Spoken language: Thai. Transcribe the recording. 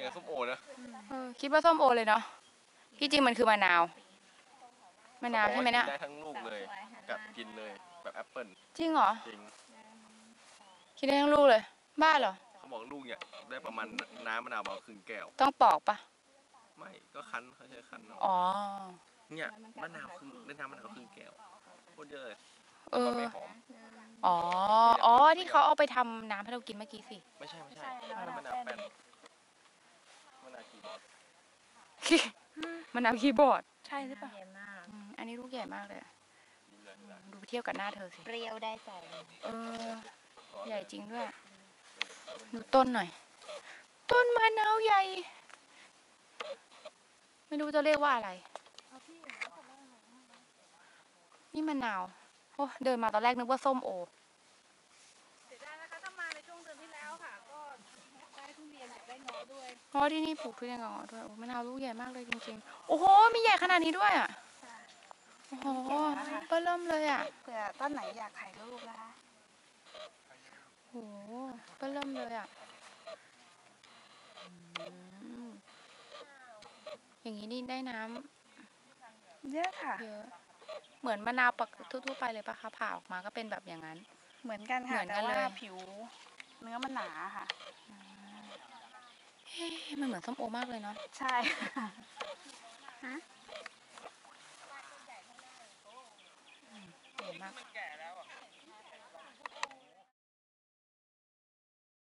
กับส้มโอนะคิดว่าส้มโอเลยเนาะที่จริงมันคือมะนาวใช่ไหมเนี่ยได้ทั้งลูกเลยกัดกินเลยแบบแอปเปิ้ลจริงเหรอจริงคิดได้ทั้งลูกเลยบ้าเหรอเขาบอกลูกเนี่ยได้ประมาณน้ำมะนาวประมาณครึ่งแก้วต้องปอกปะไม่ก็คั้นเขาใช้คั้นอ๋อเนี่ยมะนาวครึ่งได้น้ำมะนาวครึ่งแก้วโคตรเยอะเลยไม่หอมอ๋อที่เขาเอาไปทำน้ำให้เรากินเมื่อกี้สิไม่ใช่มะนาวแป้นมะนาวคีย์บอร์ดมะนาวคีย์บอร์ดใช่หรือเปล่าใหญ่มากอันนี้ลูกใหญ่มากเลยดูเทียบกับหน้าเธอสิเปรี้ยวได้ใจใหญ่จริงด้วยดูต้นหน่อยต้นมะนาวใหญ่ไม่รู้จะเรียกว่าอะไรนี่มะนาวโอ้เดินมาตอนแรกนึกว่าส้มโอเสียดายนะคะถ้ามาในช่วงเดือนที่แล้วค่ะก็ได้ทุเรียนได้เงาะด้วยเพราะที่นี่ปลูกทุเรียนกับเงาะด้วยโอ้มะนาวลูกใหญ่มากเลยจริงๆโอ้โหมีใหญ่ขนาดนี้ด้วยอ่ะโอ้โหเบิ่มเลยอ่ะเผื่อต้นไหนอยากถ่ายรูปนะคะโอ้โหเบิ่มเลยอ่ะอย่างนี้นี่ได้น้ำเยอะค่ะเยอะเหมือนมะนาวปกทั่วๆไปเลยปะคะผ่าออกมาก็เป็นแบบอย่างนั้นเหมือนกันค่ะแต่ว่าผิวเนื้อมันหนาค่ะมันเหมือนส้มโอมากเลยเนาะใช่ฮะใหญ่มาก